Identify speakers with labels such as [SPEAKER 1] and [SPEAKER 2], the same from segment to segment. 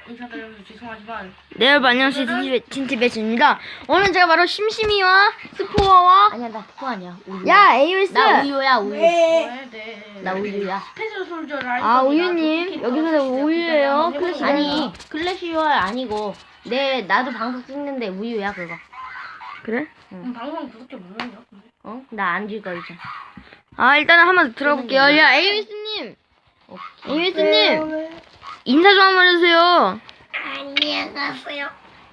[SPEAKER 1] 인사드리면서 죄송하지만
[SPEAKER 2] 네 여러분 안녕하세요 진티베츠입니다. 오늘 제가 바로 심심이와 스포어와
[SPEAKER 3] 아니야 나 스포 아니야. 우유.
[SPEAKER 2] 야 에이윌스
[SPEAKER 3] 나 우유야 우유.
[SPEAKER 1] 네.
[SPEAKER 3] 나 우유야.
[SPEAKER 1] 스페셜 솔저를 할
[SPEAKER 2] 아
[SPEAKER 1] 겁니다.
[SPEAKER 2] 우유님
[SPEAKER 1] 어떻게
[SPEAKER 2] 여기서
[SPEAKER 1] 해주세요.
[SPEAKER 2] 우유예요.
[SPEAKER 1] 그때
[SPEAKER 2] 클래식
[SPEAKER 1] 한번
[SPEAKER 3] 아니 클래시월 아니고 나도 방송 찍는데 우유야 그거.
[SPEAKER 2] 그래?
[SPEAKER 1] 방송 구독자 모르는데요?
[SPEAKER 3] 어? 나 안 죽어 이제.
[SPEAKER 2] 아 일단은 한번 들어볼게요. 야 에이윌스님 에이윌스님 인사 좀 한번 해주세요.
[SPEAKER 4] 안녕하세요.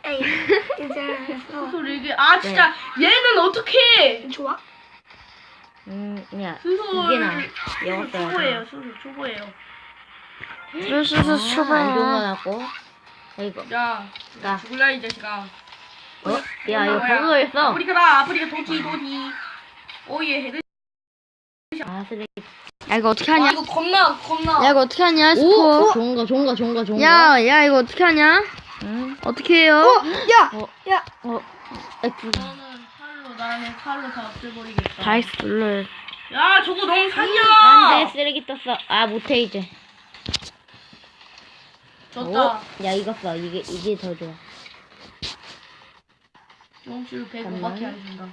[SPEAKER 1] 무슨 소리 이게 진짜 얘는 어떻게
[SPEAKER 4] 좋아?
[SPEAKER 3] 그냥
[SPEAKER 1] 수솔
[SPEAKER 3] 이게 나. 영어 써야
[SPEAKER 1] 초보예요. 수솔 초보예요.
[SPEAKER 2] 수수수
[SPEAKER 3] 안 좋은 거
[SPEAKER 2] 초보.
[SPEAKER 3] 같고. 이거.
[SPEAKER 1] 야
[SPEAKER 3] 나.
[SPEAKER 1] 죽을라 이 자식아.
[SPEAKER 3] 야 이거 버그가 있어.
[SPEAKER 1] 아프리카 도티. 오예 헤드.
[SPEAKER 3] 아 쓰레기.
[SPEAKER 2] 야 이거 어떻게 하냐?
[SPEAKER 1] 이거 겁나.
[SPEAKER 2] 야 이거 어떻게 하냐
[SPEAKER 3] 오
[SPEAKER 2] 스포?
[SPEAKER 3] 좋은 거.
[SPEAKER 2] 야 이거 어떻게 하냐?
[SPEAKER 3] 응.
[SPEAKER 2] 어떻게 해요?
[SPEAKER 1] 나는 칼로 다 없애버리겠다.
[SPEAKER 2] 다이스 눌러요.
[SPEAKER 1] 야 저거 너무 사기야.
[SPEAKER 3] 안돼 쓰레기 떴어. 아 못해 이제.
[SPEAKER 1] 졌다.
[SPEAKER 3] 야 이거 써. 이게 더 좋아.
[SPEAKER 1] 경험치를 105밖에
[SPEAKER 3] 잠깐만.
[SPEAKER 1] 안 준다.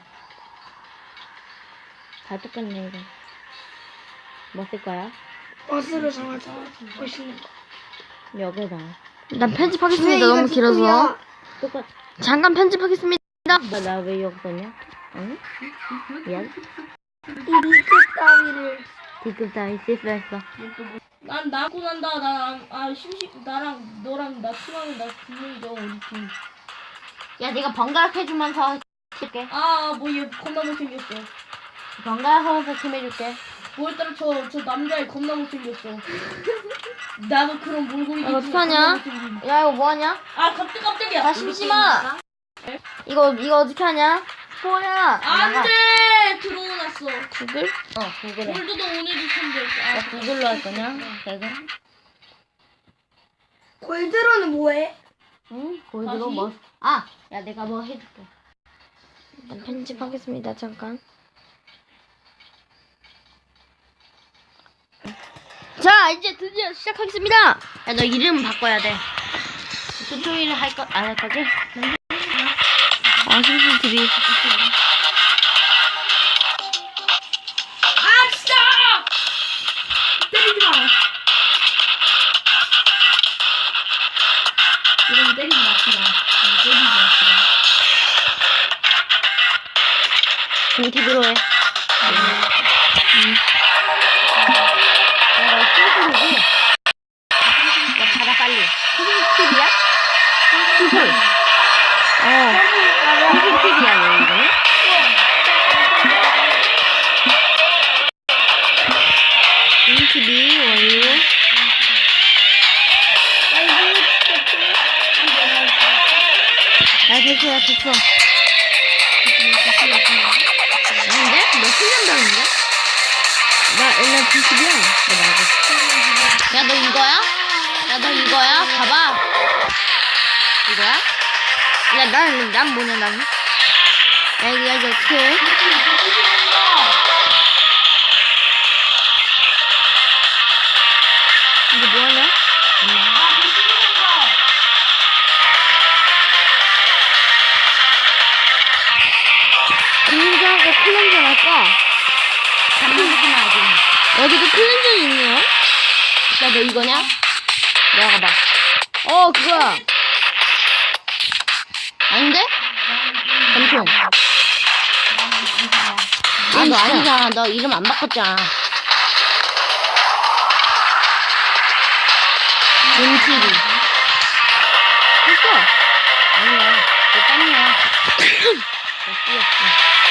[SPEAKER 3] 다 똑같네 이거. 뭐 쓸 거야?
[SPEAKER 4] 버스를 정하자. 멋있는 거.
[SPEAKER 3] 여기다.
[SPEAKER 2] 난 편집하겠습니다. 너무 길어서.
[SPEAKER 3] 똑같. 잠깐
[SPEAKER 2] 잠깐 편집하겠습니다.
[SPEAKER 3] 나 왜 여기 썼냐? 응? 미안.
[SPEAKER 4] 이 리그 따위를
[SPEAKER 3] D급 따위 실수했어.
[SPEAKER 1] 난 나고 난다. 나랑 너랑 나 팀하면 나 분명히죠 우리 팀.
[SPEAKER 3] 야 네가 번갈아 해주면서 해줄게.
[SPEAKER 1] 뭐얘 겁나 못생겼어.
[SPEAKER 3] 번갈아 하면서 팀 해줄게.
[SPEAKER 1] 오늘따라 저 남자애 겁나 못생겼어. 나도 그런 몰골이.
[SPEAKER 2] 이거 어떡하냐? 야 이거 뭐하냐?
[SPEAKER 1] 깜짝이야.
[SPEAKER 2] 야 심심아. 이거 어떻게 하냐? 스포야.
[SPEAKER 1] 안돼 들어오났어.
[SPEAKER 2] 구글?
[SPEAKER 3] 구글해.
[SPEAKER 1] 골드도 오늘도 텐데.
[SPEAKER 3] 야 구글로 할 거냐? 개그?
[SPEAKER 4] 골드로는 뭐해?
[SPEAKER 3] 응? 골드로
[SPEAKER 1] 다시?
[SPEAKER 3] 뭐? 야 내가 뭐 해줄게.
[SPEAKER 2] 일단 편집하겠습니다. 잠깐. 자 이제 드디어 시작하겠습니다.
[SPEAKER 3] 야 너 이름 바꿔야 돼. 튜토리얼 안 할 거지?
[SPEAKER 2] 심심 TV.
[SPEAKER 1] 진짜! 때리지 마. 이런 때리지 맙시다. 때리지 맙시다.
[SPEAKER 3] TV로 해. 야 튜토리얼이. 야 받아 빨리. TV야? TV야 너 이거는?
[SPEAKER 2] TV 원유. 됐어.
[SPEAKER 3] 아닌데? 너 훈련당인데?
[SPEAKER 2] 나 옛날 PCB야.
[SPEAKER 3] 야 너 이거야? 야 너 이거야? 봐봐. 이거야?
[SPEAKER 2] 야 난 뭐냐 나는? 야 이거 어떻게 해? 이게 뭐하냐? 클렌저하고 클렌저 할까?
[SPEAKER 3] 잠깐만 하지 마.
[SPEAKER 2] 여기도 클렌저이 있네요?
[SPEAKER 3] 야 너 이거냐? 내가 봐.
[SPEAKER 2] 그거야.
[SPEAKER 3] 아닌데? 검총. 너
[SPEAKER 2] 진짜.
[SPEAKER 3] 아니잖아. 너 이름 안 바꿨잖아. 김TV.
[SPEAKER 2] 했어.
[SPEAKER 3] 아니야. 너 땀이야. 너 삐었어.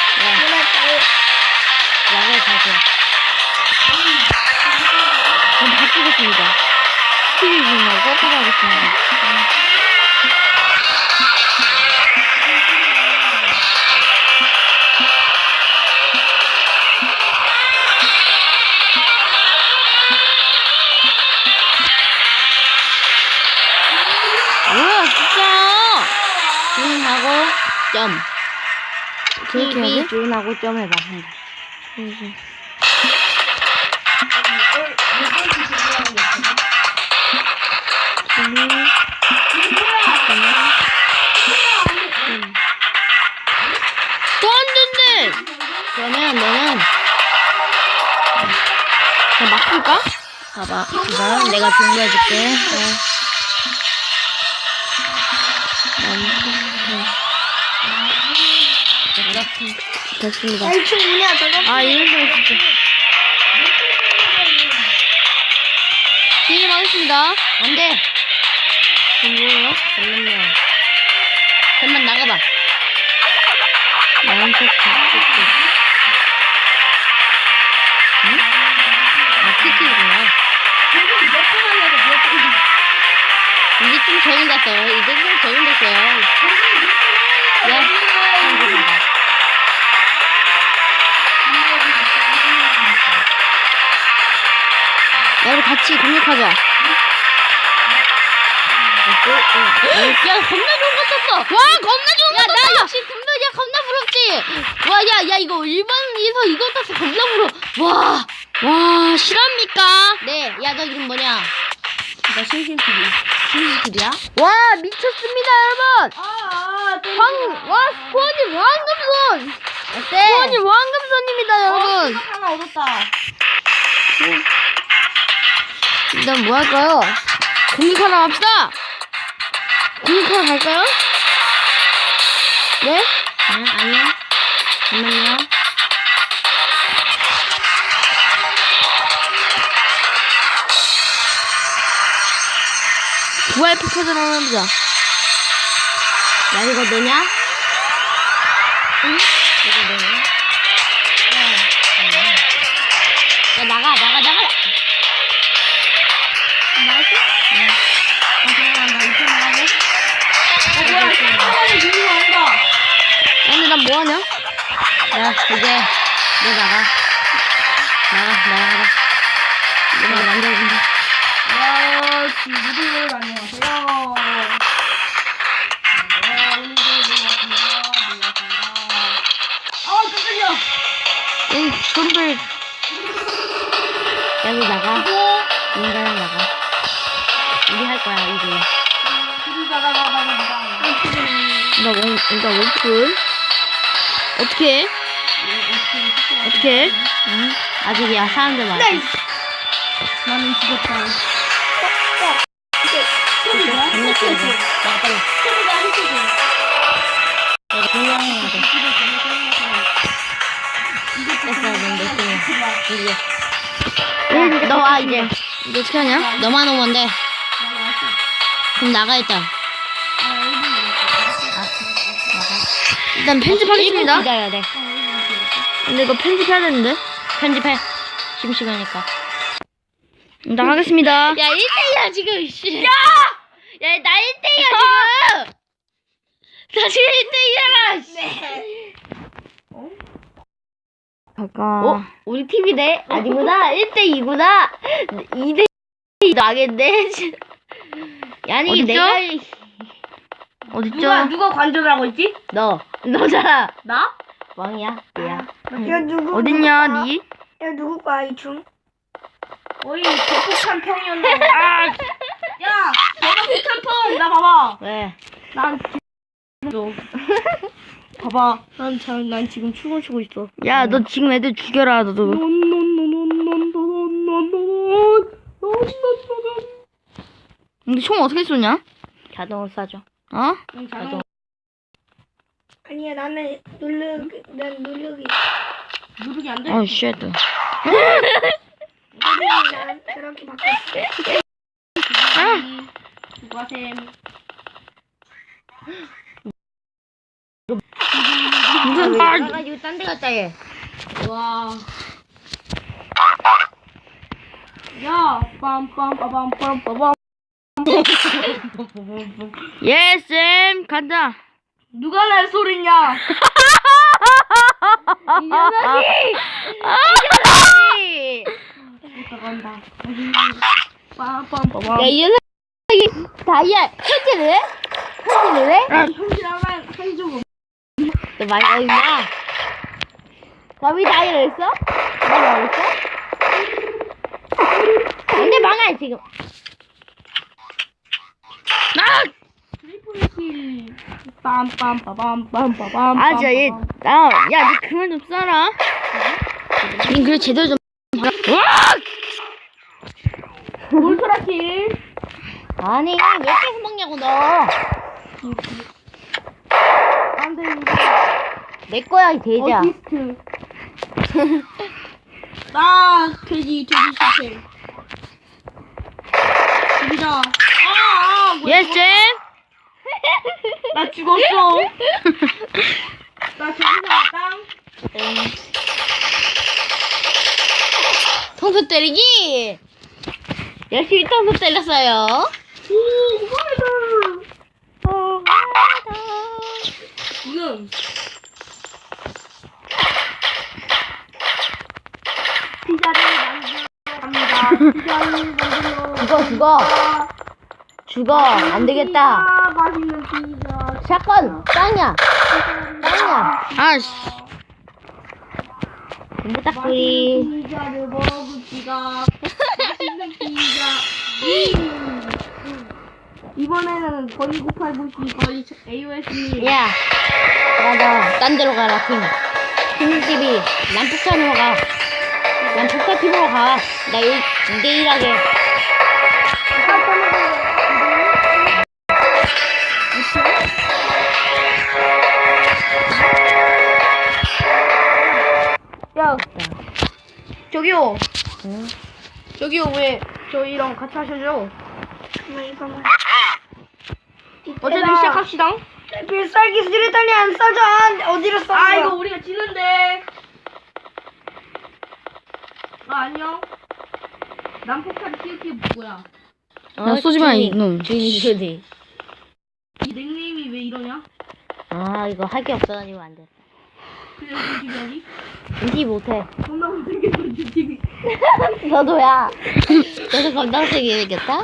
[SPEAKER 3] 약을 가져.
[SPEAKER 2] 그럼 바꾸겠습니다. TV 중하고 바꾸겠습니다. 뭐야 진짜.
[SPEAKER 3] 준하고 점.
[SPEAKER 2] 그렇게 해야
[SPEAKER 3] TV
[SPEAKER 2] 돼?
[SPEAKER 3] 준하고 점 해봐. 한번.
[SPEAKER 2] TV
[SPEAKER 3] 그러면 너는
[SPEAKER 2] 나 막 풀까?
[SPEAKER 3] 봐봐. 이거 내가 준비해줄게.
[SPEAKER 2] 됐습니다.
[SPEAKER 4] 야, 2층 뭐냐, 저거?
[SPEAKER 2] 아, 이런 거 진짜. 게임 하겠습니다.
[SPEAKER 3] 안 돼.
[SPEAKER 2] 뭐예요?
[SPEAKER 3] 잠깐만요. 잠깐만 나가봐.
[SPEAKER 2] 나는 또
[SPEAKER 3] 응? 아, 키키구나. 이제 좀 적응됐어요. 이제 좀 적응됐어요. 야, 한국이다.
[SPEAKER 2] 야, 우리 같이 공격하자.
[SPEAKER 3] 야, 겁나 좋은 거 썼어.
[SPEAKER 2] 와, 겁나 좋은
[SPEAKER 3] 야,
[SPEAKER 2] 거
[SPEAKER 3] 나
[SPEAKER 2] 떴다!
[SPEAKER 3] 역시 군도야 겁나 부럽지. 와, 야, 이거 일반에서 이거 땄어. 겁나 부러워. 와,
[SPEAKER 2] 와, 실합니까?
[SPEAKER 3] 네, 야, 너 이름 뭐냐? 나 심심TV야?
[SPEAKER 2] 와, 미쳤습니다, 여러분! 와, 스포님 왕금손!
[SPEAKER 3] 어때?
[SPEAKER 2] 스포님 왕금손입니다, 여러분!
[SPEAKER 1] 하나 얻었다.
[SPEAKER 2] 일단 뭐 할까요? 공격하러 갑시다! 공격하러 갈까요? 네?
[SPEAKER 3] 아니야. 잠깐만요.
[SPEAKER 2] 부활 폭파전 한번 해보자.
[SPEAKER 3] 야, 이거 너냐? 응? 이거 너냐? 야, 나가.
[SPEAKER 1] 나갔어? 응. 잠깐만, 나 이렇게 나가고. 뭐야, 잠깐만에 누구 온다.
[SPEAKER 2] 근데 난 뭐하냐?
[SPEAKER 3] 야, 이제 너 나가. 나가. 내가 만져준다.
[SPEAKER 1] 야, 친구들 안녕하세요. 오늘도 반갑습니다. 아, 깜짝이야.
[SPEAKER 2] 응, 손들.
[SPEAKER 3] 야, 너 나가. 인간아 나가. 우리 할 거야, 이제.
[SPEAKER 2] 나 원풀. 어떻게 해? 어떻게 해?
[SPEAKER 3] 응? 아직이야, 사람들 많아.
[SPEAKER 1] 나는 죽었다.
[SPEAKER 3] 겁나 깨져. 나가 빨리. 내가 동양해야 돼. 됐어, 넌몇 등이야. 이제. 너 와, 이제.
[SPEAKER 2] 이거 어떻게 하냐?
[SPEAKER 3] 너만 오면 돼. 그럼 나가, 일단.
[SPEAKER 2] 일단 편집하겠습니다.
[SPEAKER 3] 기다려야 돼.
[SPEAKER 2] 근데 이거 편집해야 되는데.
[SPEAKER 3] 편집해. 심시간이니까.
[SPEAKER 2] 일단 하겠습니다.
[SPEAKER 3] 야, 1대2야, 지금, 씨. 야! 야, 나 1대2야, 지금! 나 지금 1대2잖아, 씨.
[SPEAKER 2] 잠깐.
[SPEAKER 3] 어? 우리 팀이네? 아니구나. 1대2구나. 2대2 나겠네. 아니,
[SPEAKER 2] 어딨죠?
[SPEAKER 3] 내가,
[SPEAKER 2] 어딨죠?
[SPEAKER 1] 누가 관전하고 있지?
[SPEAKER 3] 너잖아.
[SPEAKER 1] 나?
[SPEAKER 3] 왕이야, 얘야.
[SPEAKER 4] 야, 누구?
[SPEAKER 2] 어딨냐,
[SPEAKER 4] 누구
[SPEAKER 2] 니?
[SPEAKER 4] 야, 누구 거야, 2층?
[SPEAKER 1] 어이, 대폭탄 평이었네. 아, 야, 대폭탄 평! 나 봐봐.
[SPEAKER 3] 왜?
[SPEAKER 1] 난 지금 봐봐. 난 지금 춤을 추고 있어.
[SPEAKER 2] 야, 너 지금 애들 죽여라, 너도. 근데 총 어떻게 쏘냐?
[SPEAKER 3] 자동으로 쏴줘.
[SPEAKER 2] 어?
[SPEAKER 1] 자동
[SPEAKER 4] 아니야, 나는 난 누르기.
[SPEAKER 1] 누르기 안 돼.
[SPEAKER 2] 어, 쉣.
[SPEAKER 4] 난 저렇게 바꿨어.
[SPEAKER 1] 수고하셈.
[SPEAKER 2] 무슨 말?
[SPEAKER 3] 나가지고 딴 데 갔다 얘.
[SPEAKER 1] 와. 야, 빰빰빠밤빰빠밤.
[SPEAKER 2] 예, 쌤, 간다.
[SPEAKER 1] 누가 날 소리냐?
[SPEAKER 3] 이 녀석이! 이 녀석이!
[SPEAKER 1] 나간다. 빰빰빠밤.
[SPEAKER 3] 야, 이 녀석이 다이아 현질을 해? 현질을 해?
[SPEAKER 1] 현실하면 한쪽.
[SPEAKER 3] 너 많이 어딨나? 너왜 다이아를 했어? 너 뭐했어? 근데 망할 지금.
[SPEAKER 1] 트리플 킬. 빰빰빠밤빰빠밤.
[SPEAKER 2] 아, 진짜 얘, 야, 니 그만 좀 쏴라. 님 그래 제대로 좀.
[SPEAKER 1] 울트라킬.
[SPEAKER 3] 아니 왜 계속 먹냐고 너.
[SPEAKER 1] 안돼 이거.
[SPEAKER 3] 내 거야 이 돼지야.
[SPEAKER 1] 어시스트. 나 돼지 실패. 죽이자.
[SPEAKER 2] 예스 쌤.
[SPEAKER 1] 나 죽었어. 나 돼지 살았다.
[SPEAKER 3] 통수 때리기. 열심히 통수 때렸어요.
[SPEAKER 1] 오, 지금 피자를 만들어 갑니다. 피자를 만들어.
[SPEAKER 3] 죽어 안 되겠다.
[SPEAKER 1] 피자, 맛있는 피자.
[SPEAKER 3] 샷건 땅이야.
[SPEAKER 2] 아씨.
[SPEAKER 3] 군부딱구리.
[SPEAKER 1] 맛있는 피자를 먹읍시다. 맛있는 피자. 이번에는 거의 989시 거의 AOS님.
[SPEAKER 3] 야 맞아 딴 데로 가라 팀. 팀집이 난 폭탄으로 가. 난 폭탄팀으로 가. 나 2대1 하게.
[SPEAKER 1] 야, 저기요.
[SPEAKER 3] 응?
[SPEAKER 1] 저기요, 왜 저희랑 같이 하셔죠?
[SPEAKER 4] 이거만.
[SPEAKER 1] 어쨌든 시작합시다.
[SPEAKER 4] 필살기 수류탄이 안 쏴져. 어디로 쏴?
[SPEAKER 1] 아, 이거 우리가 지는데. 안녕. 난폭탄 키우키 뭐야?
[SPEAKER 2] 야 쏘지마 이놈.
[SPEAKER 3] 주인이 주디.
[SPEAKER 1] 이 닉네임이 왜 이러냐?
[SPEAKER 3] 아 이거 할 게 없어가지고 안 돼.
[SPEAKER 1] 그래서 지금
[SPEAKER 3] 인지 못해.
[SPEAKER 1] 존나 못생겼어, 지금.
[SPEAKER 3] 너도야. 너도 겁나 세게 생겼다.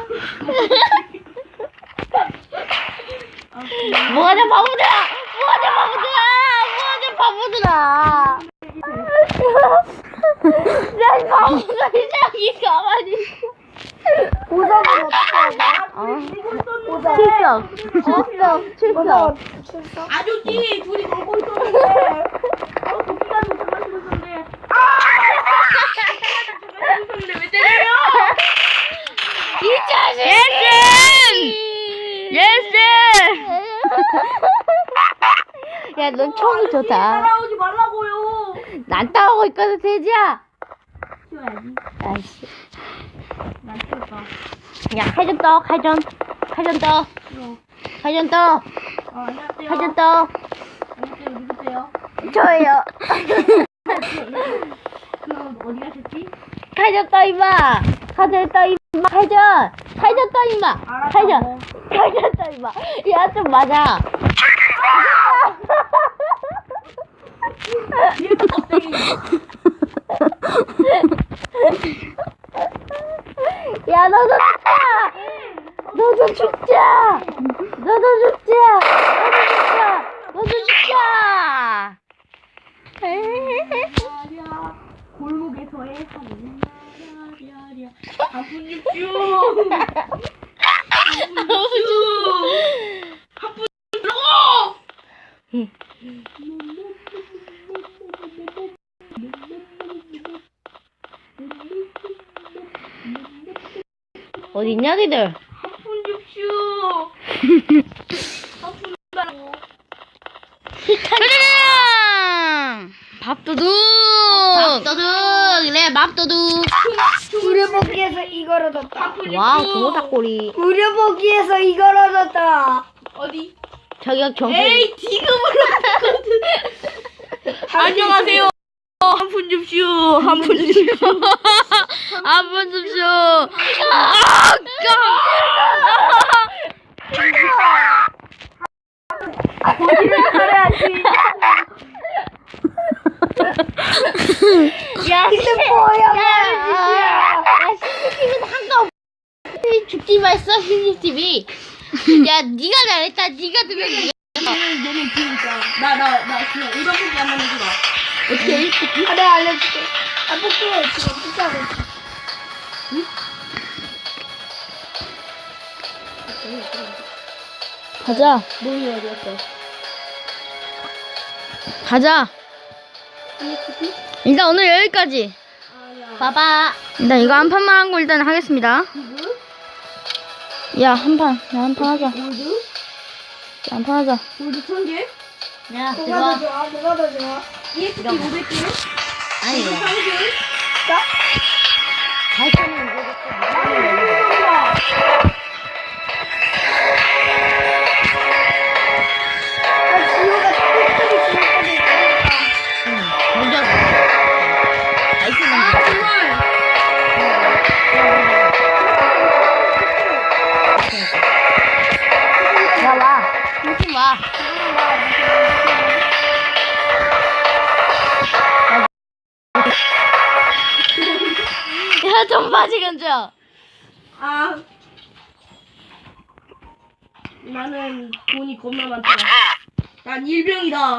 [SPEAKER 3] 뭐하냐 바보들아. 야 바보가 저기 가만히 있어.
[SPEAKER 4] 보석은 어떻게 하냐?
[SPEAKER 3] 출석.
[SPEAKER 1] 아저씨, 둘이 걸고 있었는데. 도끼가지고 장난치고 있었는데. 장난치고 있었는데 왜 때려요?
[SPEAKER 3] 이 자식.
[SPEAKER 2] 예스.
[SPEAKER 3] 야, 넌 총이 좋다.
[SPEAKER 1] 따라오지 말라고요.
[SPEAKER 3] 난 따라오고 있거든, 돼지야.
[SPEAKER 1] 키워야지.
[SPEAKER 3] 아이씨.
[SPEAKER 1] 난 키울까.
[SPEAKER 3] 야, 칼좀 떠, 칼좀 떠.
[SPEAKER 1] 싫어.
[SPEAKER 3] 칼좀 떠.
[SPEAKER 1] 안녕하세요.
[SPEAKER 3] 칼좀 떠.
[SPEAKER 1] 안녕하세요. 누구세요?
[SPEAKER 3] 저예요.
[SPEAKER 1] 그럼 어디 가셨지?
[SPEAKER 3] 칼좀 떠, 임마. 칼좀 떠, 임마. 칼좀 떠, 임마.
[SPEAKER 1] 알았다고.
[SPEAKER 3] 칼좀 떠, 임마. 야, 좀 맞아.
[SPEAKER 1] 얘도 갑자기.
[SPEAKER 3] 야, 너도 죽자.
[SPEAKER 1] 야야 골목에서의 하늘 야야야 한푼 줍쇼. 한푼 주라고.
[SPEAKER 3] 어디 있냐, 니들?
[SPEAKER 1] 한푼 줍쇼. 한푼 주라고.
[SPEAKER 2] 짜자잔. 밥도둑.
[SPEAKER 3] 그래, 밥도둑.
[SPEAKER 4] 무료보기에서 이걸 얻었다.
[SPEAKER 1] 한푼
[SPEAKER 3] 와우,
[SPEAKER 1] 줍쇼.
[SPEAKER 3] 도모닭꼬리.
[SPEAKER 4] 무료보기에서 이걸 얻었다.
[SPEAKER 1] 어디?
[SPEAKER 3] 저격 정수.
[SPEAKER 1] 에이 지금으로 왔거든. 안녕하세요. 한푼 줍쇼. 한푼 줍쇼.
[SPEAKER 2] 한번 줍쇼.
[SPEAKER 1] 거기를 살아야지.
[SPEAKER 3] 야,
[SPEAKER 4] 이게 뭐야?
[SPEAKER 3] 야, CCTV는 한가 없. 죽지 말어, CCTV. 야, 네가 잘했다. 네가 두명
[SPEAKER 1] 너는 비우자. 나 그냥 일반 뽑기 한번 해주라.
[SPEAKER 3] 어떻게?
[SPEAKER 4] 아, 내가 알려줄게. 아, 뽑기 지금 비싸고 있어.
[SPEAKER 2] 가자.
[SPEAKER 1] 뭐니 어디였어?
[SPEAKER 2] 가자. 일단 오늘 여기까지.
[SPEAKER 1] 아야.
[SPEAKER 3] 봐봐.
[SPEAKER 2] 일단 이거 한 판만 한 거 일단 하겠습니다.
[SPEAKER 1] 이거?
[SPEAKER 2] 야, 한 판. 야, 한 판 하자. 야,
[SPEAKER 1] 골드?
[SPEAKER 2] 한 판 하자.
[SPEAKER 1] 골드 1000개?
[SPEAKER 3] 야,
[SPEAKER 4] 뭐가
[SPEAKER 3] 들어와.
[SPEAKER 4] 더 좋아? 뭐가 더 좋아?
[SPEAKER 1] EXP 500개?
[SPEAKER 3] 아니,
[SPEAKER 1] 골드
[SPEAKER 3] 야.
[SPEAKER 1] 30개?
[SPEAKER 3] 발전은 이거
[SPEAKER 4] 아, 지호가 끝까지 지호까지 있으니까.
[SPEAKER 3] 먼저. 발전은
[SPEAKER 1] 아 정말.
[SPEAKER 3] 야, 와. 조심 와.
[SPEAKER 2] 야, 좀 빠지, 견자.
[SPEAKER 1] 아. 나는 돈이 겁나 많더라. 난 일병이다.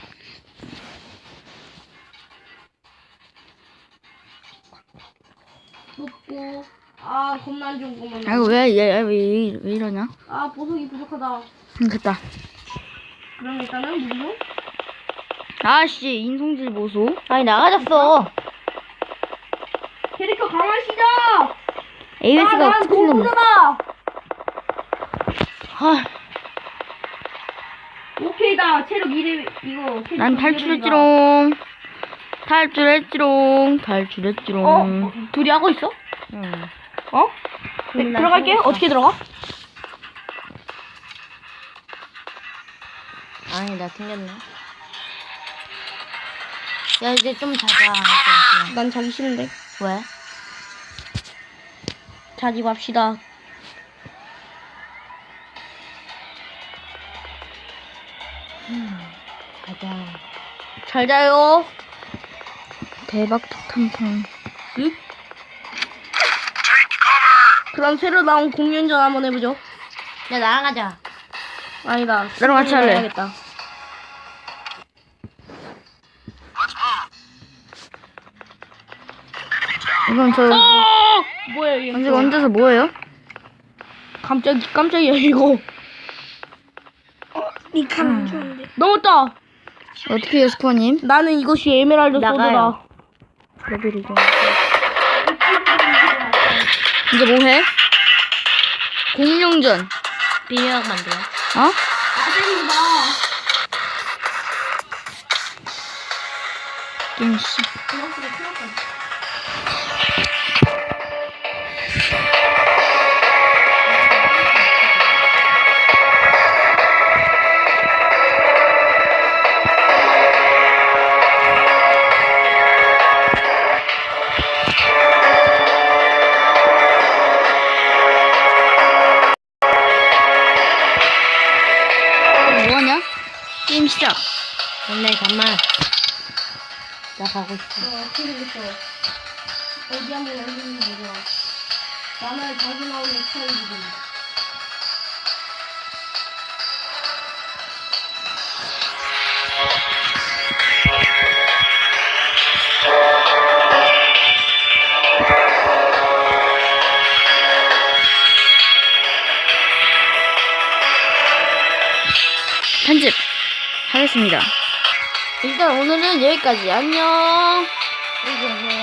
[SPEAKER 1] 먹고. 아 겁나 안 좋은 것만.
[SPEAKER 2] 아이고, 왜 이러냐?
[SPEAKER 1] 아 보석이 부족하다.
[SPEAKER 2] 됐다.
[SPEAKER 1] 그럼 일단은 무료.
[SPEAKER 2] 아씨, 인성질 보소.
[SPEAKER 3] 아니, 나가졌어.
[SPEAKER 1] 캐릭터 강화시다.
[SPEAKER 2] ABS가
[SPEAKER 1] 난
[SPEAKER 2] 스크린 넘어.
[SPEAKER 1] 공부자다.
[SPEAKER 3] 헐.
[SPEAKER 1] 오케이다. 체력 2렙 이거. 캐릭터
[SPEAKER 2] 난
[SPEAKER 1] 2렙이다.
[SPEAKER 2] 탈출했지롱. 탈출했지롱.
[SPEAKER 1] 어? 둘이 하고 있어?
[SPEAKER 2] 응.
[SPEAKER 1] 어? 네, 들어갈게. 어떻게 들어가?
[SPEAKER 3] 아니, 나 튕겼네. 야, 이제 좀 자자. 이제.
[SPEAKER 1] 난 자기 싫은데.
[SPEAKER 3] 왜?
[SPEAKER 1] 자지 맙시다.
[SPEAKER 3] 가자.
[SPEAKER 1] 잘 자요.
[SPEAKER 2] 대박 탐탐.
[SPEAKER 1] 응? 그럼 새로 나온 공연전 한번 해보죠.
[SPEAKER 3] 야, 나랑 가자.
[SPEAKER 1] 아니다.
[SPEAKER 2] 나랑 같이 할래.
[SPEAKER 1] 해야겠다.
[SPEAKER 2] 이건 저
[SPEAKER 1] 뭐야 이게?
[SPEAKER 2] 언제 얹어서 뭐예요?
[SPEAKER 1] 깜짝이야 이거.
[SPEAKER 4] 니칸 좋은데.
[SPEAKER 1] 넘었다.
[SPEAKER 2] 어떻게 해요, 스코어님?
[SPEAKER 1] 나는 이것이 에메랄드
[SPEAKER 3] 나가요.
[SPEAKER 1] 소드다.
[SPEAKER 2] 레벨이죠. 이제 뭐해? 공룡전.
[SPEAKER 3] 비밀학 만들어.
[SPEAKER 2] 어? 게임 씨. 뭐하냐? 게임 시작.
[SPEAKER 3] 근데 잠만. 나 가고 싶어.
[SPEAKER 1] 모르겠어. 어디 한번 열리는지 모르겠어. 나는 자주 나오는 스타일이지.
[SPEAKER 2] 편집 하겠습니다. 일단 오늘은 여기까지. 안녕.
[SPEAKER 3] 이제